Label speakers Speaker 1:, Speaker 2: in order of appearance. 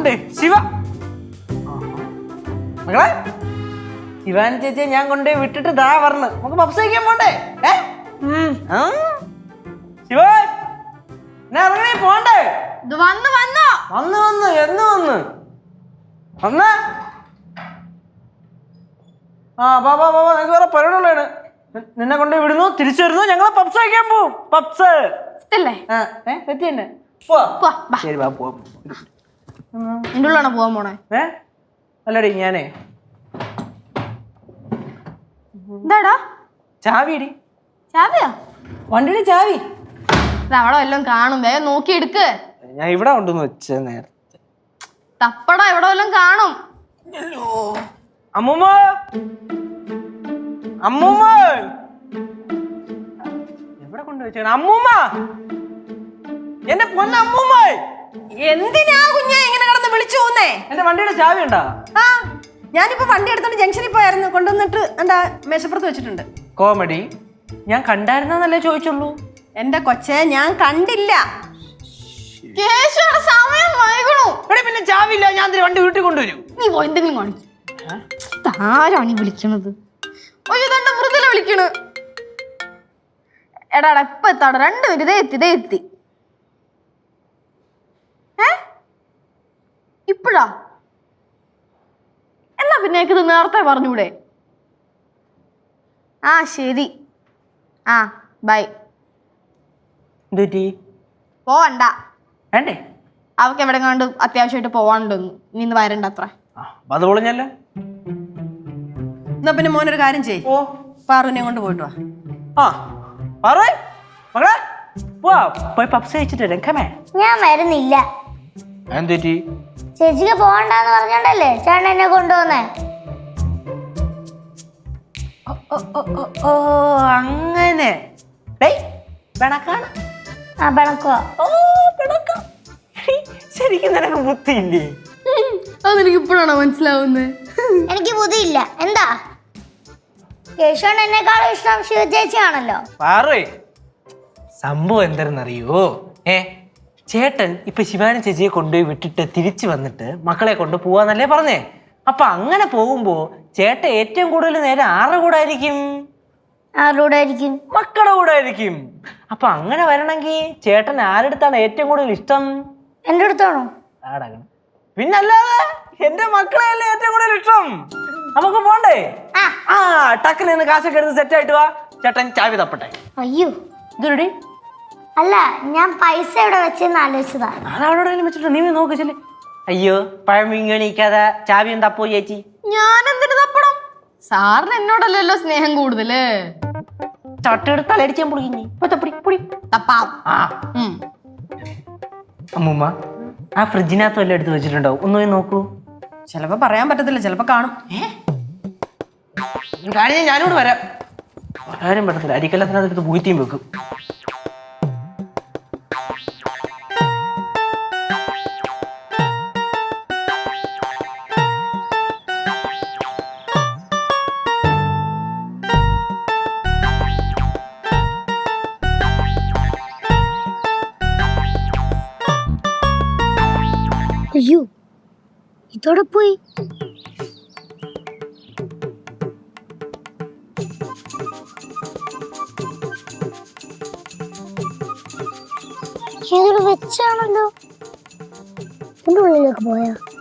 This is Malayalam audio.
Speaker 1: ഉണ്ട് ശിവ. മകളെ ശിവാനി ചേച്ചിയെ ഞാൻ കൊണ്ടുപോയി വിട്ടിട്ട് ദാ പറഞ്ഞു നമുക്ക് പപ്സ് കഴിക്കാൻ പോണ്ടേ? ശിവ ഇറങ്ങണേ പോണ്ടേ?
Speaker 2: വന്നു വന്നു
Speaker 1: വന്ന് വന്ന് എന്ന് വന്ന് വന്ന നിനക്ക് വേറെ പരിപാടികളാണ്. നിന്നെ കൊണ്ടുപോയി വിടുന്നു, തിരിച്ചു വരുന്നു, ഞങ്ങള് പപ്സ് കഴിക്കാൻ പോവും. പപ്സ് തെറ്റി തന്നെ. ശരി വാ പോവാം.
Speaker 2: എന്റെ ഉള്ളാണോ പോവാൻ പോണേ?
Speaker 1: അല്ലടി ഞാനേ
Speaker 2: എന്താടാ
Speaker 1: ചാവിയടി.
Speaker 2: ചാവിയോ?
Speaker 1: വണ്ടിയുടെ ചാവി
Speaker 2: അവിടെ വല്ലതും കാണും, വേഗം നോക്കി എടുക്ക്.
Speaker 1: ഞാൻ ഇവിടെ കൊണ്ടുവന്ന് വെച്ച നേരത്തെ.
Speaker 2: തപ്പടാ, ഇവിടെ വല്ലതും കാണും.
Speaker 1: അമ്മൂമ്മ അമ്മൂമ്മ എവിടെ കൊണ്ടുവച്ച? അമ്മൂമ്മ എന്റെ പൊന്ന അമ്മൂമ്മ,
Speaker 3: എന്തിനാ കുഞ്ഞാ ഇങ്ങനെ കിടന്ന് വിളിച്ചു പോന്നേ?
Speaker 1: എന്റെ വണ്ടിയുടെ ചാവി ഉണ്ടാ?
Speaker 3: ആ ഞാനിപ്പോ വണ്ടി എടുത്തോണ്ട് ജംഗ്ഷനിൽ പോയായിരുന്നു, കൊണ്ടുവന്നിട്ട് എന്താ മേശപ്പുറത്ത് വെച്ചിട്ടുണ്ട്.
Speaker 1: കോമഡി. ഞാൻ കണ്ടായിരുന്നല്ലേ ചോദിച്ചുള്ളൂ.
Speaker 3: എന്റെ കൊച്ചെ ഞാൻ കണ്ടില്ല.
Speaker 2: സമയം വൈകണു.
Speaker 1: പിന്നെ ചാവില്ല, ഞാൻ വണ്ടി വീട്ടിൽ കൊണ്ടുവരും.
Speaker 2: നീ എന്തെങ്കിലും കാണിച്ചു. ആരാണ് ഈ വിളിക്കണത്? മൃദുല വിളിക്കണ്. എടാടാ ഇപ്പൊ എത്താടാ, 2 മിനിറ്റ്. ഇതേ എത്തി. ഇപ്പഴാ? എന്നാ പിന്നെ ഇത് നേരത്തെ പറഞ്ഞൂടെ? ആ ശരി, ആ ബൈ. പോവണ്ട,
Speaker 1: വേണ്ടേ?
Speaker 2: അവക്ക് എവിടെ കണ്ട് അത്യാവശ്യമായിട്ട് പോവാണ്ടെന്ന്. നീ ഇന്ന് വരണ്ട അത്ര.
Speaker 1: അത് പൊളിഞ്ഞല്ല.
Speaker 3: എന്നാ പിന്നെ മോനൊരു കാര്യം ചെയ്യ്, പാറുവിനെ കൊണ്ട് പോയിട്ട് വാ.
Speaker 1: പോയി പപ്സ് കഴിച്ചിട്ട് രംഗമേ.
Speaker 4: ഞാൻ വരുന്നില്ല.
Speaker 1: എന്തുറ്റി?
Speaker 4: ചേച്ചിക്ക് പോകണ്ടെന്ന് പറഞ്ഞോണ്ടല്ലേ ചേട്ടൻ എന്നെ കൊണ്ടുവന്നേ.
Speaker 1: അങ്ങനെ ശരിക്കും നിനക്ക് ബുദ്ധിയില്ലേ?
Speaker 2: അതെനിക്ക് ഇപ്പോഴാണോ മനസ്സിലാവുന്നത്?
Speaker 4: എനിക്ക് ബുദ്ധിയില്ല. എന്താ കേശവൻ എന്നെക്കാളും ഇഷ്ടം ശിവ ചേച്ചിയാണല്ലോ.
Speaker 1: പാറേ സംഭവം എന്താണെന്നറിയോ? ചേട്ടൻ ഇപ്പൊ ശിവാനി ചേച്ചിയെ കൊണ്ടുപോയി വിട്ടിട്ട് തിരിച്ചു വന്നിട്ട് മക്കളെ കൊണ്ട് പോവാന്നല്ലേ പറഞ്ഞേ. അപ്പൊ അങ്ങനെ പോകുമ്പോ ചേട്ടൻ ഏറ്റവും കൂടുതൽ നേരം ആരുടെ കൂടെ ആയിരിക്കും? മക്കളുടെ കൂടെ ആയിരിക്കും. അപ്പൊ അങ്ങനെ വരണമെങ്കിൽ ചേട്ടൻ ആരെടുത്താണ് ഏറ്റവും കൂടുതൽ ഇഷ്ടം?
Speaker 4: എന്റെ അടുത്താണോ?
Speaker 1: പിന്നല്ലാതെ എന്റെ മക്കളെയല്ലേ ഏറ്റവും കൂടുതൽ ഇഷ്ടം. നമുക്ക് പോണ്ടേ? ടക്കിൽ നിന്ന് കാശൊക്കെ എടുത്ത് സെറ്റ് ആയിട്ട് വാ. ചേട്ടൻ ചാവി തപ്പട്ടെ.
Speaker 4: അയ്യോ
Speaker 1: ഇതൊരു
Speaker 4: അല്ല, ഞാൻ പൈസ എവിടെ വെച്ചെന്ന് ആലോചിച്ചതാ.
Speaker 1: അതവിടെ വെച്ചിട്ട് നീ നോക്ക് ചെല്ലേ. അയ്യോ പഴം വിങ്ങണിക്കാതെ ചാവിയും തപ്പോ ചേച്ചി.
Speaker 2: ഞാൻ എന്തിനു തപ്പണം? സാറിന് എന്നോടല്ലല്ലോ സ്നേഹം കൂടുതല്.
Speaker 1: ചട്ടെടുത്ത് തലടിച്ചാൻ പൊളിഞ്ഞി. അമ്മൂമ്മ ആ ഫ്രിഡ്ജിനകത്ത് വല്ല എടുത്ത് വെച്ചിട്ടുണ്ടോ? ഒന്ന് നോക്കൂ.
Speaker 3: ചിലപ്പോ പറയാൻ പറ്റത്തില്ല, ചിലപ്പോ കാണും.
Speaker 1: കാര്യം ഞാനോട് വരാം. വരാനും പറ്റത്തില്ല, അരിക്കല്ലത്തിനകത്ത് പൂത്തിയും വെക്കും.
Speaker 4: അയ്യോ ഇതോടെ പോയി. ഇതൊരു വെച്ചാണല്ലോ. ഇതിന്റെ ഉള്ളിലേക്ക് പോയാ